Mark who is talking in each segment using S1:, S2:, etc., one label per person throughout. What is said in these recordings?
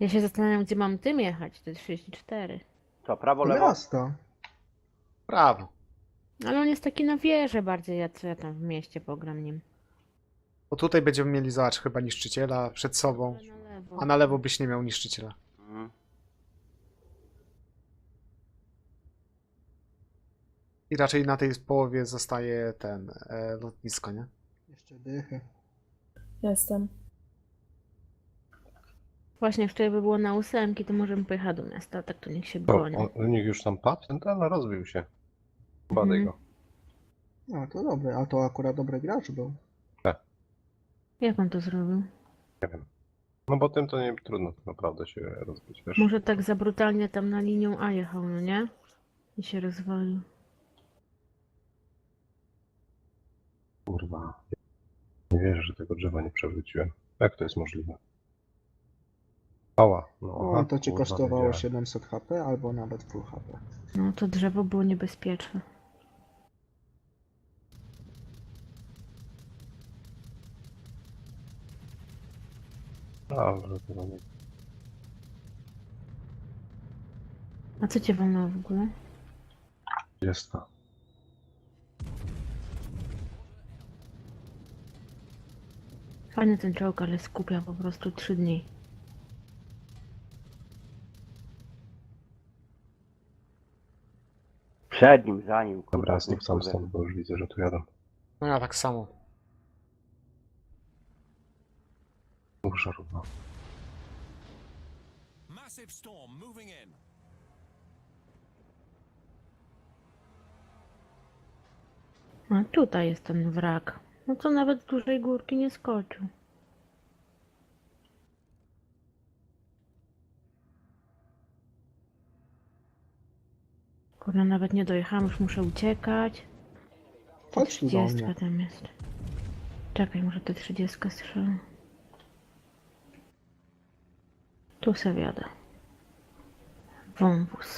S1: Ja się zastanawiam, gdzie mam tym jechać, te 34.
S2: Co, prawo,
S3: Do
S2: lewo?
S3: miasta.
S4: Prawo.
S1: Ale on jest taki na wieży bardziej, co ja tam w mieście pogram nim.
S4: Bo tutaj będziemy mieli, zobacz, chyba niszczyciela przed sobą.
S1: Ale na lewo.
S4: A na lewo byś nie miał niszczyciela.
S2: Mhm.
S4: I raczej na tej połowie zostaje ten lotnisko, nie?
S3: Jeszcze dychy.
S5: Jestem.
S1: Właśnie wczoraj by było na 8, to możemy pojechać do miasta, a tak to niech się
S6: To,
S1: broni.
S6: u nich już tam padł? Ten rozbił się. Badaj
S1: Mhm.
S6: go.
S3: No to dobre, a to akurat dobry gracz był.
S1: Jak on to zrobił?
S6: No bo tym to nie trudno tak naprawdę się rozbić, wiesz?
S1: Może tak za brutalnie tam na linią A jechał, no nie? I się rozwalił.
S6: Kurwa. Nie wierzę, że tego drzewa nie przewróciłem. Jak to jest możliwe? Ała. No,
S3: O,
S6: aha,
S3: to ci
S6: kurwa,
S3: kosztowało
S6: wiedziałem.
S3: 700 HP albo nawet full HP.
S1: No to drzewo było niebezpieczne.
S6: Dobrze, to nie.
S1: A co cię wolno w ogóle?
S6: Jest to.
S1: Fajny ten czołg, ale skupia po prostu 3 dni.
S2: Przed nim, za nim.
S6: Dobra,
S2: kurwa,
S6: znów sam
S2: kurde.
S6: stąd, bo już widzę, że tu jadą.
S4: No ja tak samo.
S6: Mów żarówno.
S7: Massive storm moving in.
S1: A tutaj jest ten wrak. No to nawet z dużej górki nie skoczył. Kurde, nawet nie dojechałam, już muszę uciekać.
S3: Chodź tu do
S1: 30
S3: mnie.
S1: tam jest. Czekaj, może te 30 strzelę. Tu se wiadę. Wąwóz.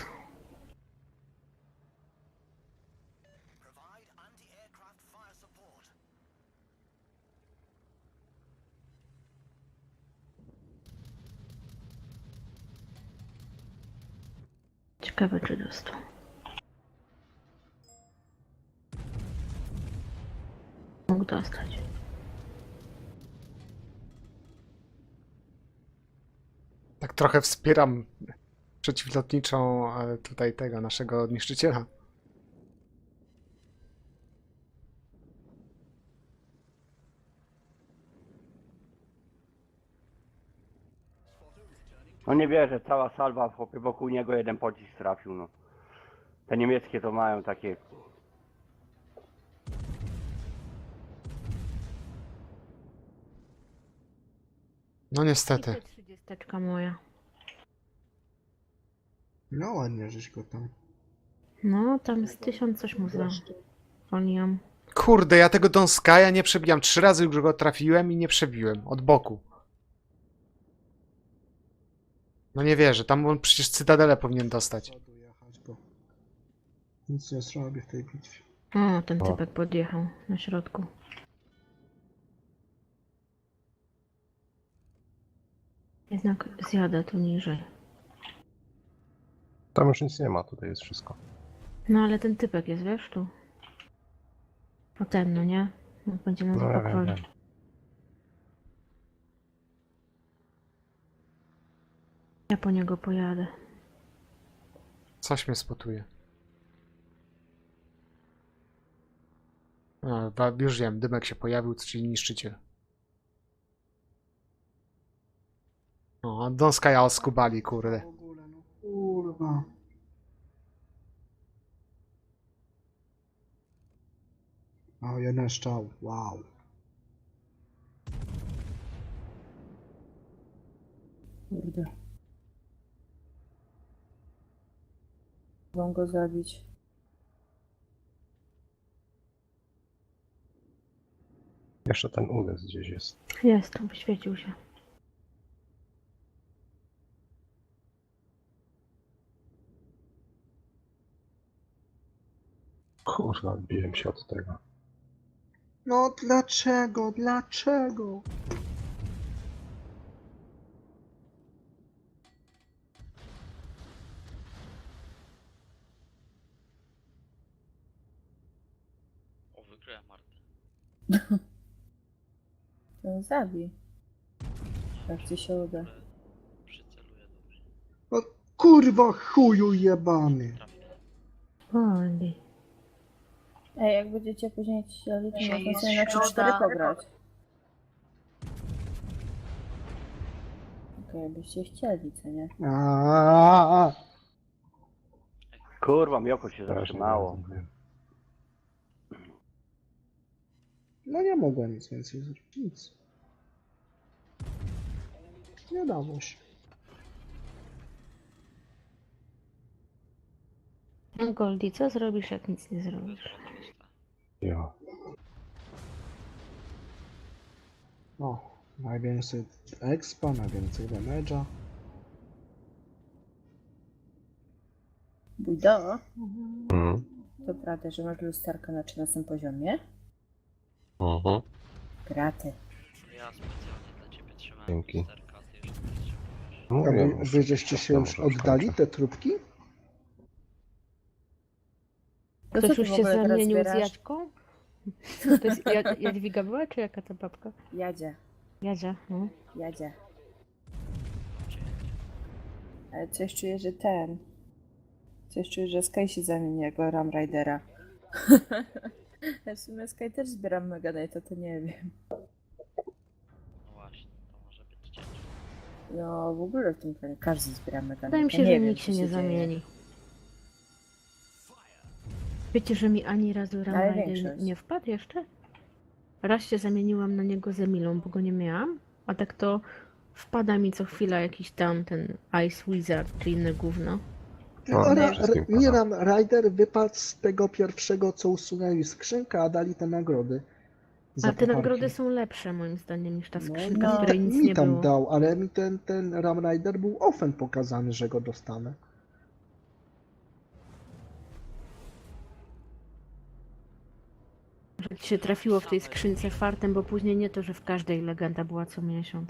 S7: Provide anti-aircraft fire support.
S1: Ciekawe, czy dostał. Mógł dostać.
S4: Tak trochę wspieram przeciwlotniczą tutaj tego naszego niszczyciela.
S2: No nie wierzę, cała salwa chłopie, wokół niego jeden pocisk trafił, no. Te niemieckie to mają takie...
S4: No niestety.
S1: I 30 moja.
S3: No ładnie, żeś go tam.
S1: No, tam z 1000 coś mu zwolniłam.
S4: Kurde, ja tego Don Skya nie przebijam. 3 razy już go trafiłem i nie przebiłem. Od boku. No nie wierzę, tam on przecież Cytadelę powinien dostać.
S3: Przodu jechać, bo nic nie zrobię w tej bitwie.
S1: O, ten
S6: O.
S1: typek podjechał na środku. Jednak zjadę tu niżej.
S6: Tam już nic nie ma, tutaj jest wszystko.
S1: No ale ten typek jest, wiesz, tu. O ten, no nie? Jak będzie nas
S6: No ja wiem,
S1: patroli.
S6: wiem.
S1: Ja po niego pojadę.
S4: Coś mnie spotuje. No, już wiem, dymek się pojawił, czyli niszczyciel. O, Don Skya oskubali, kurde.
S3: W ogóle, no kurwa. O, jeden strzał, wow.
S5: Kurde. Mogą go zabić.
S6: Jeszcze ten udes gdzieś jest.
S1: Jest, wyświecił się.
S6: Kurwa, odbiłem się od tego.
S3: No dlaczego, dlaczego?
S8: wykryłem Martę.
S5: To zabij. Jak ci się uda.
S8: Ale przyceluję dobrze.
S3: O, kurwa chuju jebany.
S8: Trafię.
S1: Oli.
S5: Ej, jak będziecie później chcieli, to można sobie na 3-4 pograć. Okej, jakbyście chcieli, co nie?
S3: Aaaa.
S2: Kurwa, Mioko się
S6: Strasznie
S2: zatrzymało.
S6: bardzo.
S3: No nie mogłem nic więcej zrobić. Nic. Nie dało się.
S1: No Goldie, co zrobisz, jak nic nie zrobisz?
S6: Ja.
S3: O, najwięcej expa, najwięcej damage'a.
S5: Bujdo,
S6: Mhm.
S5: to prawda, że masz lusterkę na 13 poziomie?
S6: Mhm.
S5: Graty.
S8: Ja specjalnie dla ciebie trzymałem
S6: Dzięki.
S8: lusterka, ty już nie potrzebujesz.
S6: No,
S3: A
S6: wiem,
S3: wy żeście się już
S6: może
S3: oddali,
S6: skończę.
S3: te trupki?
S5: To co
S1: Ktoś
S5: ty
S1: już
S5: w
S1: się
S5: ogóle teraz
S1: zamienił z
S5: zbierasz?
S1: Jaćką? To jest Jadwiga była, czy jaka ta babka?
S5: Jadzie,
S1: Jadzia, no.
S5: jadzie. Ale coś czuję, że ten... Coś czuję, że Sky się zamieni jako Ram Ridera. Ja w sumie Sky też zbieram Mega Knight'a, to nie wiem.
S8: No właśnie, to może być ciężko.
S5: No w ogóle w tym planie każdy zbiera Mega
S1: Wydaje mi
S5: Knight'a.
S1: się,
S5: Nie
S1: że
S5: wiem,
S1: nikt
S5: co
S1: się nie
S5: dzieje.
S1: zamieni. Wiecie, że mi ani razu
S5: Ale
S1: Ramrider
S5: większość.
S1: nie wpadł jeszcze? Raz się zamieniłam na niego z Emilą, bo go nie miałam, a tak to wpada mi co chwila jakiś tam ten Ice Wizard czy inne gówno.
S6: No,
S3: Ra-
S6: wszystkim
S3: nie
S6: pada.
S3: Ram Rider wypadł z tego pierwszego, co usunęli skrzynkę, a dali te nagrody. Za
S1: Ale te
S3: pucharki.
S1: nagrody są lepsze moim zdaniem niż ta
S3: No,
S1: skrzynka,
S5: no,
S1: w której nic
S3: mi
S1: nie
S3: tam
S1: było.
S3: dał, ale mi ten Ram Rider był ofen pokazany, że go dostanę.
S1: Że ci się trafiło w tej skrzynce fartem, bo później nie to, że w każdej legenda była co miesiąc.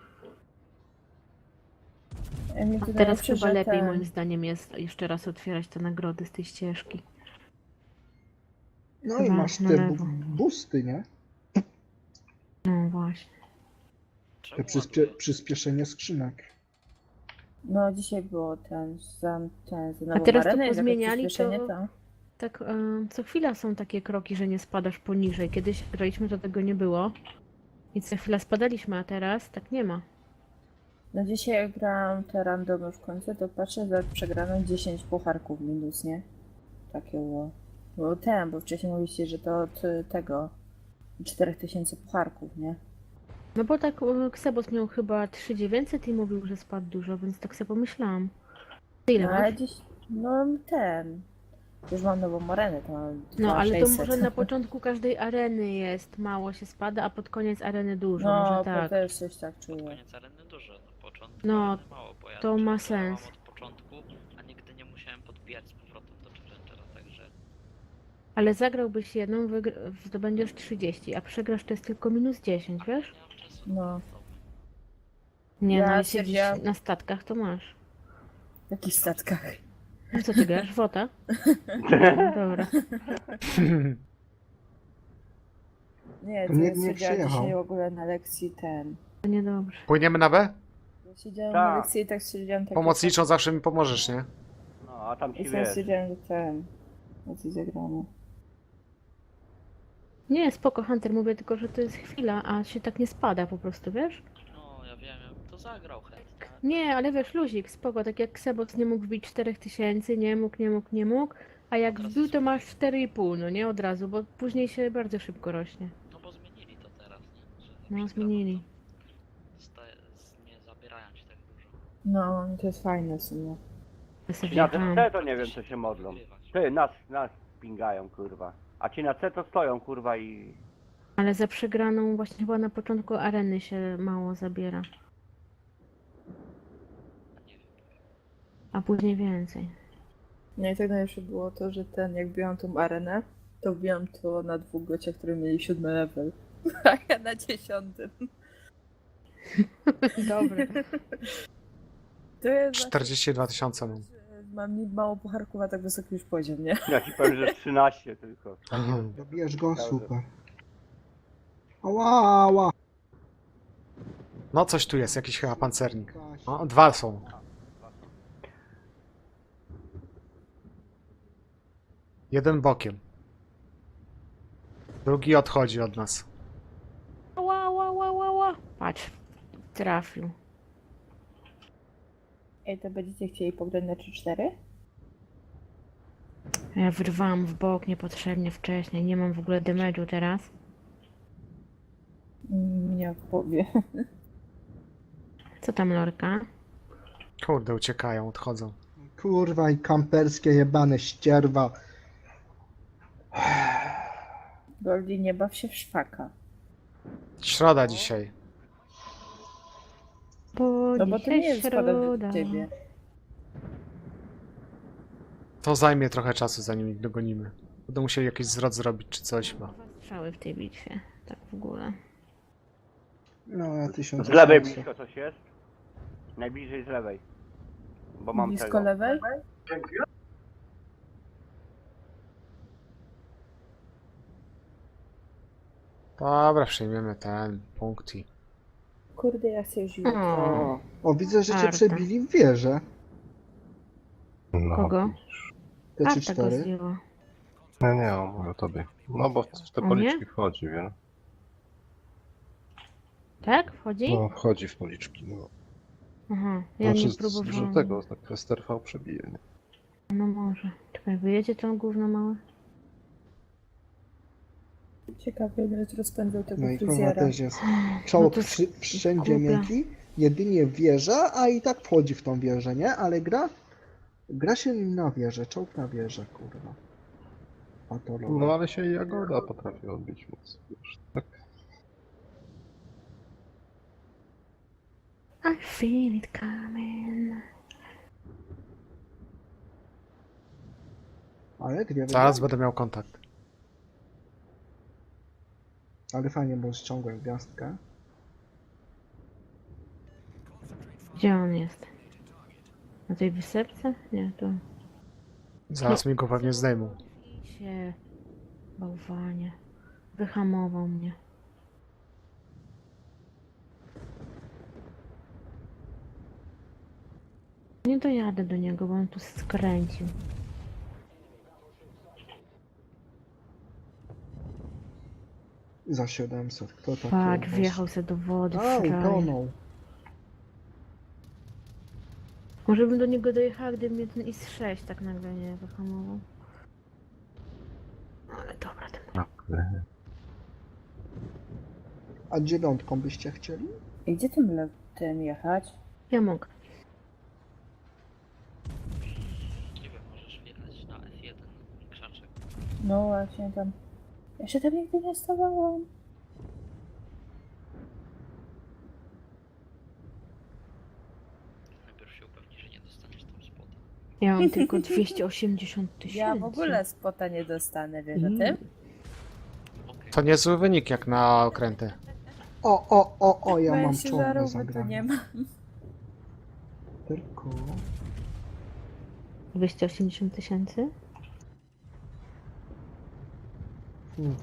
S5: Mi
S1: A
S5: wydaje
S1: teraz
S5: się,
S1: chyba
S5: że
S1: lepiej
S5: ten-
S1: moim zdaniem jest jeszcze raz otwierać te nagrody z tej ścieżki.
S3: No i
S1: Chyba
S3: masz
S1: na
S3: te
S1: lewo.
S3: boosty, nie?
S1: No właśnie.
S3: Te
S8: Czemu ładuje?
S3: przyspieszenie skrzynek.
S5: No dzisiaj było ten za
S1: A
S5: nową
S1: teraz to
S5: arenę, jest jakieś
S1: pozmieniali,
S5: przyspieszenie,
S1: to tak co chwila są takie kroki, że nie spadasz poniżej. Kiedyś graliśmy, to tego nie było. I co chwila spadaliśmy, a teraz tak nie ma.
S5: No dzisiaj jak grałam te randomy w końcu, to patrzę, za przegraną 10 pucharków minus, nie? Takie było. Bo wcześniej mówiliście, że to od tego 4000 pucharków, nie?
S1: No bo tak Ksebos miał chyba 3900 i mówił, że spadł dużo, więc tak sobie pomyślałam. Ty ile
S5: No
S1: masz?
S5: ale dziś, no ten. Już mam nową arenę, to mam
S1: No ale to
S5: 2600.
S1: może na początku każdej areny jest mało się spada, a pod koniec areny dużo,
S5: No,
S1: może
S5: to
S1: tak.
S5: też coś tak
S8: Pod
S5: czuję.
S8: koniec areny dużo, na początku
S1: No,
S8: areny mało, bo ja
S1: to ma
S8: grałem
S1: sens.
S8: od początku, a nigdy nie musiałem podbijać z powrotem do Challengera, także
S1: Ale zagrałbyś jedną, zdobędziesz 30, a przegrasz to jest tylko minus 10, wiesz?
S8: nie mam czasu
S5: No.
S8: na to.
S1: Nie,
S5: Ja
S1: no jak siedzisz
S5: stwierdziłam-
S1: na statkach, to masz.
S5: W jakich statkach?
S1: No co ty grasz? Wota? No, dobra.
S5: Nie, to
S3: Nie-
S5: ja
S3: nie
S5: siedziałam
S3: przyjechał.
S5: dzisiaj w ogóle na lekcji ten.
S1: To niedobrze.
S4: Płyniemy na B?
S5: Ja siedziałam
S2: Tak.
S5: na lekcji i tak siedziałam tak.
S4: Pomocniczą zawsze mi pomożesz, nie?
S2: No, a tam ci
S5: I sam
S2: wiesz.
S5: siedziałam, że ten. Lekcji zagrano.
S1: Nie, spoko Hunter, mówię tylko, że to jest chwila, a się tak nie spada po prostu, wiesz?
S8: No, ja wiem, ja bym to zagrał chętnie.
S1: Nie, ale wiesz, luzik, spoko, tak jak Ksebos nie mógł wbić 4000, nie mógł, a jak wbił to masz 4,5, no nie od razu, bo później się bardzo szybko rośnie.
S8: No bo zmienili to teraz, nie? Że
S1: No,
S8: przegrano,
S1: zmienili.
S8: to nie zabierają ci tak dużo.
S5: No, to jest fajne w sumie.
S1: Ja sobie
S2: Ci na
S1: wjechałam.
S2: C to nie wiem, co się modlą.
S8: Wygrywać.
S2: Ty, nas pingają, kurwa. A ci na C to stoją, kurwa, i...
S1: Ale za przegraną właśnie chyba na początku areny się mało zabiera,
S8: Nie wiem.
S1: a później więcej.
S5: No i tak najlepsze było to, że jak biłam tą arenę, to biłam to na 2 gościach, które mieli 7 level. A ja na 10.
S1: Dobry.
S5: To jest
S4: 42 000 mam.
S5: w Mam mało pucharków, a tak wysoki już poziom, nie?
S2: Ja ci powiem, że 13 tylko.
S3: Dobijesz go, super. Ała, ała.
S4: No coś tu jest, jakiś chyba pancernik. O, 2 są. Jeden bokiem. Drugi odchodzi od nas.
S1: Ła, ła, ła, ła, ła. Patrz, trafił.
S5: Ej, to będziecie chcieli pograć na 3-4?
S1: Ja wyrwałam w bok niepotrzebnie wcześniej. Nie mam w ogóle damage'u teraz.
S5: Nie odpowie.
S1: Co tam, Lorka?
S4: Kurde, uciekają, odchodzą.
S3: Kurwa i kamperskie jebane ścierwa.
S5: Goldie, nie baw się w szwaka.
S4: Środa dzisiaj.
S5: No bo to nie jest składa do ciebie.
S4: To zajmie trochę czasu, zanim ich dogonimy. Będą musieli jakiś zwrot zrobić czy coś, bo...
S1: Strzały w tej bitwie. Tak w ogóle.
S3: No, ja 1000.
S2: Z lewej blisko coś jest? Najbliżej z lewej. Bo mam
S5: Blisko
S2: tego.
S5: lewej?
S4: Dobra, przejmiemy ten punkt i...
S5: Kurde, ja chcę już jutro.
S1: O,
S3: O, widzę, że cię
S1: Arta.
S3: przebili w wieżę.
S6: No,
S1: kogo?
S3: Te
S1: Arta go
S3: 3-4.
S1: zdjęła.
S6: nie, mówię o tobie. No bo w te
S1: O nie?
S6: policzki wchodzi, wiesz?
S1: Tak? Wchodzi?
S6: No, wchodzi w policzki, no.
S1: Aha, ja nie
S6: Znaczy, że
S1: próbowałam.
S6: tego, tak Quester V przebije, nie?
S1: No może. Czekaj, wyjedzie to gówno małe?
S5: Ciekawe, ile rozpędzał tego
S3: No i kurwa
S5: fryzjera.
S3: też jest. Czołg
S1: to jest
S3: wszędzie
S1: głupia.
S3: miękki, jedynie wieża, a i tak wchodzi w tą wieżę, nie? Ale gra się nim na wieżę, czołg na wieżę, kurwa. Patologia.
S6: No ale się i Jagoda potrafi odbić, więc wiesz, tak.
S1: I feel it coming.
S3: Ale dwie
S4: Zaraz
S3: wygrane.
S4: będę miał kontakt.
S3: Ale fajnie, bo ściągłem gwiazdkę.
S1: Gdzie on jest? Na tej wysepce? Nie, to...
S4: Zaraz mi go pewnie zdejmą.
S1: się... Bałwanie. Wyhamował mnie. Nie dojadę do niego, bo on tu skręcił.
S3: Za 700. Kto taki?
S1: Patrz, wjechał se do wody.
S3: A,
S1: frajer.
S3: utonął.
S1: Może bym do niego dojechała, gdyby mnie ten IS-6 tak nagle nie wyhamował. Ale dobra, ten...
S3: A 9 byście chcieli?
S5: I gdzie tym letem jechać?
S1: Ja mogę.
S8: Nie wiem, możesz wjechać na F1 krzaczek.
S5: No właśnie tam. Ja się tam nigdy nie stawałam.
S8: Najpierw się upewnij, że nie dostaniesz tam spota.
S1: Ja mam tylko 280 000.
S5: Ja w ogóle spota nie dostanę, wiesz o tym?
S8: Okej.
S4: To niezły wynik jak na okręty.
S3: O, ja
S5: Bo
S3: mam
S5: się
S3: czołg do
S5: zarówno to nie
S3: zagrania.
S5: ma.
S3: Tylko...
S1: 280 000?
S3: Hmm.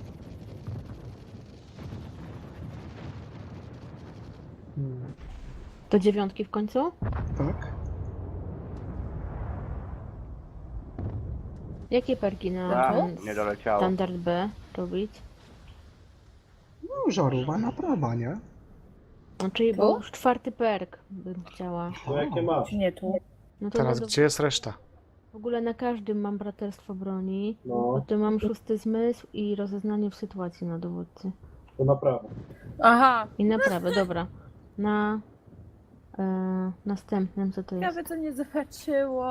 S3: Hmm.
S1: Do 9 w końcu?
S3: Tak?
S1: Jakie perki na
S2: Tak,
S1: ten
S2: nie doleciało.
S1: standard B robić?
S3: No, żarówa naprawa, nie?
S1: No, czyli
S5: Tu?
S1: był już 4 perk bym chciała.
S5: Czy nie tu?
S1: No to
S4: Teraz
S1: no,
S4: gdzie jest reszta?
S1: w ogóle na każdym mam braterstwo broni.
S3: No.
S1: Potem mam 6 zmysł i rozeznanie w sytuacji na dowódcy.
S3: To naprawa.
S5: Aha!
S1: I naprawę, dobra. Na następnym co to jest?
S5: Ciekawe co nie zobaczyło.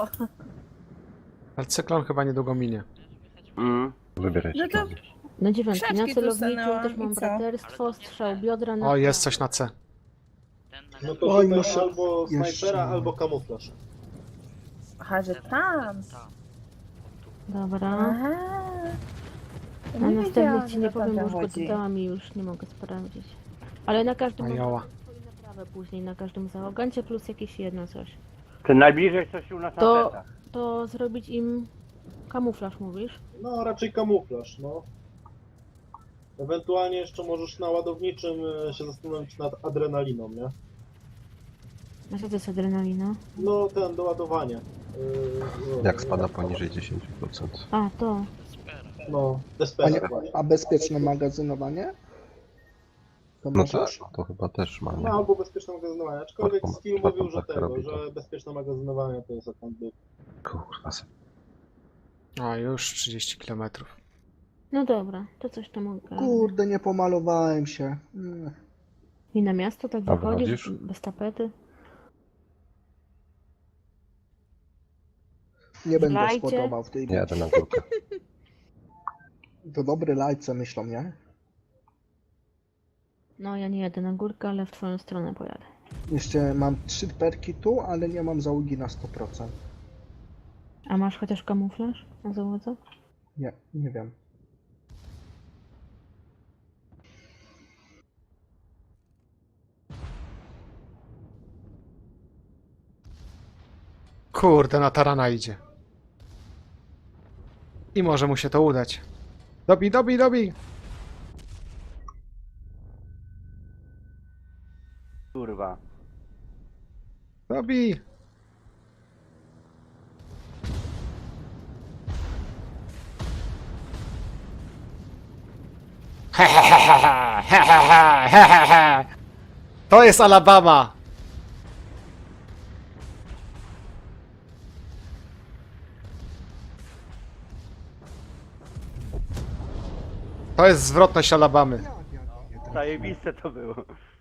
S4: Ale cyklon chyba niedługo minie.
S2: Mm.
S6: Wybierajcie.
S5: No to-
S6: kiedy.
S1: Na 9.
S5: Krzaczki
S1: Na
S5: tu
S1: celowniku
S5: stanęłam
S1: też mam
S5: i co?
S1: braterstwo, strzał biodra na
S4: O, jest coś na C.
S8: Ten na
S9: No
S8: lewo.
S9: to
S3: Oj,
S9: szukaj
S3: muszę-
S9: albo
S3: jeszcze-
S9: snajpera, albo kamuflaż.
S5: Aha, że tam.
S8: Tam.
S1: Dobra.
S5: Aha. Ja
S1: Na
S5: nie
S1: następnych
S5: wiedziałam,
S1: ci
S5: że
S1: nie
S5: na
S1: powiem, bo
S5: tamten
S1: już go
S5: chodzi.
S1: dodałam i już nie mogę sprawdzić. Ale na każdym mam
S4: Anioła.
S1: swoją naprawę później, na każdym załogancie plus jakieś jedno coś.
S2: Ten najbliżej coś u nas na
S1: To-
S2: setach.
S1: To zrobić im kamuflaż, mówisz?
S9: No, raczej kamuflaż, no. Ewentualnie jeszcze możesz na ładowniczym się zastanowić nad adrenaliną, nie?
S1: A co to jest adrenalina?
S9: No, ten do ładowania.
S6: Jak spada poniżej 10%.
S1: A, to.
S8: Super.
S9: No,
S3: A,
S9: despera
S3: nie,
S9: właśnie.
S3: a bezpieczne magazynowanie? To
S6: No tak,
S3: możesz?
S6: no to chyba też ma,
S9: No,
S6: nie?
S9: albo bezpieczne magazynowanie. Aczkolwiek
S6: Taką-
S9: Skill
S6: taką
S9: mówił, że
S6: tak
S9: tego,
S6: robi to.
S9: że bezpieczne magazynowanie to jest account book.
S6: Kurwa.
S4: A, już 30 km.
S1: No dobra, to coś tam mogę.
S3: Kurde, nie pomalowałem się.
S1: I na miasto tak
S6: A
S1: wychodzisz,
S6: wychodzisz?
S1: bez tapety?
S3: Nie będę
S1: Lajcie.
S3: spodobał w tej
S6: Nie jadę na górkę.
S3: To dobry lajce myślą, nie?
S1: No, ja nie jadę na górkę, ale w twoją stronę pojadę.
S3: Jeszcze mam 3 perki tu, ale nie mam załogi na 100%.
S1: A masz chociaż kamuflaż na załodze?
S3: Nie, nie wiem.
S4: Kurde, na tarana idzie. I może mu się to udać. Dobij, dobij, dobij!
S2: Kurwa.
S4: Dobij! To jest Alabama! To jest zwrotność Alabamy.
S2: Zajebiste to było.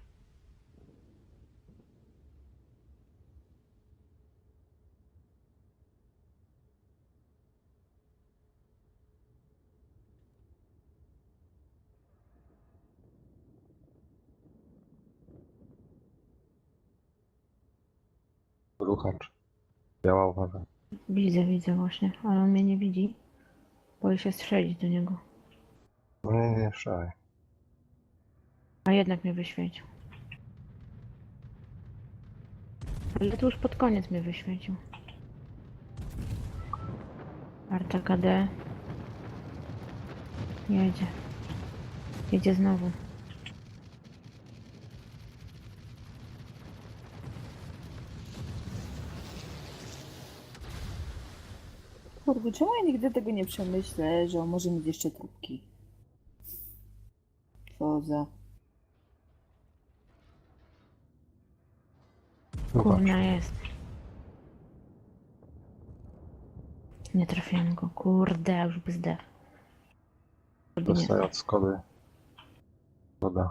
S6: Ruchacz. Biała uwaga.
S1: Widzę właśnie, ale on mnie nie widzi. Boję się strzelić do niego.
S6: No nie, szaj.
S1: A jednak mnie wyświecił. Ale to już pod koniec mnie wyświecił. Arta KD. Jedzie. Jedzie znowu.
S5: Kurde, czemu ja nigdy tego nie przemyślę, że on może mieć jeszcze trupki? Co za...
S1: Kurna jest. Nie trafiłem go. Kurde, już by zdechł. Kurde, nie.
S6: Dostaję od Skody. Woda.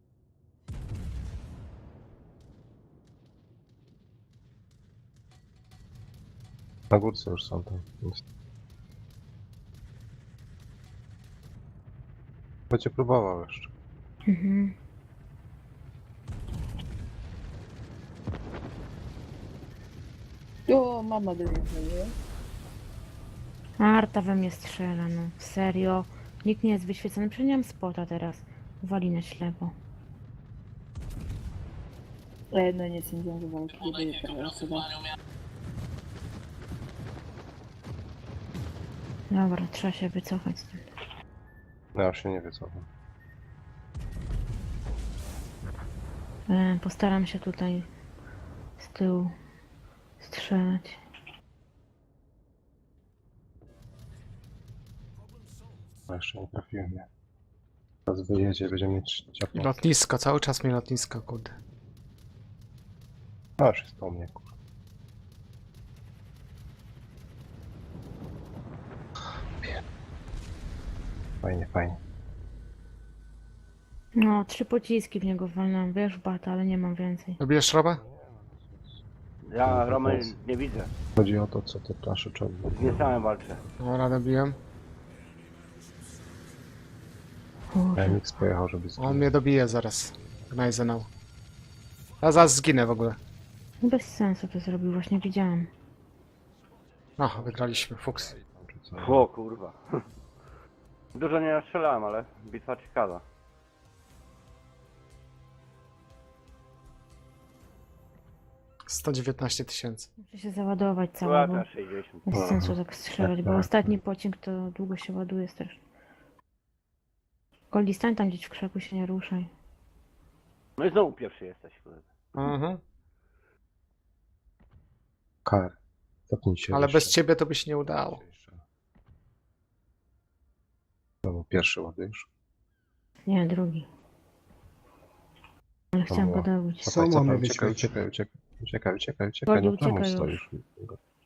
S6: Na górce już są tam. Będzie próbował jeszcze.
S1: Mhm.
S5: O, mama do mnie dzwoniła.
S1: Arta we mnie strzela, no. Serio. Nikt nie jest wyświecony. Przecież nie mam spota teraz. Wali na ślepo.
S5: No nie sądziłam, że walki będzie teraz osoba.
S1: Dobra, trzeba się wycofać stąd.
S6: No ja już się nie wycofam.
S1: Postaram się tutaj z tyłu strzelać.
S6: No jeszcze nie trafiłem, nie. Teraz wyjedzie, będzie mieć ciapło.
S4: Lotnisko, cały czas mi lotnisko, kurde.
S6: A już jest po mnie, kurwa. Fajnie, fajnie.
S1: No, 3 pociski w niego walnąłem. Wiesz, bata, ale nie mam więcej.
S4: Dobijesz robę?
S2: Ja Romy nie widzę.
S6: Chodzi o to, co te plasze czerwone.
S2: Z niesałem walczę.
S4: Dobra, dobiłem.
S1: Kurde.
S6: MX pojechał, żeby
S4: On mnie dobije zaraz. Gnajzenał. Ja zaraz zginę w ogóle.
S1: Bez sensu to zrobił, właśnie widziałem.
S4: No, wygraliśmy, fuks.
S6: czy co.
S2: O kurwa. Dużo nie strzelałem, ale bitwa ciekawa.
S4: 119 tysięcy.
S1: Muszę się załadować cała,
S2: Była
S1: bo
S2: na 60.
S1: bez sensu tak strzelać, bo
S6: Tak.
S1: ostatni pociąg to długo się ładuje strasznie. Goldie, stań tam gdzieś w krzaku, się nie ruszaj.
S2: No i znowu pierwszy jesteś, kurde.
S4: Mhm.
S6: KR. Zapnij się.
S4: Ale
S6: jeszcze.
S4: bez ciebie to by się nie udało.
S6: No, pierwszy ładujesz.
S1: Nie, drugi. Ale chciałam
S6: Dobra.
S1: go dobić.
S3: Co mamy
S6: Uciekaj,
S3: wyświetlić?
S6: uciekaj.
S1: Goldie,
S6: No tam
S1: uciekaj
S6: stoisz.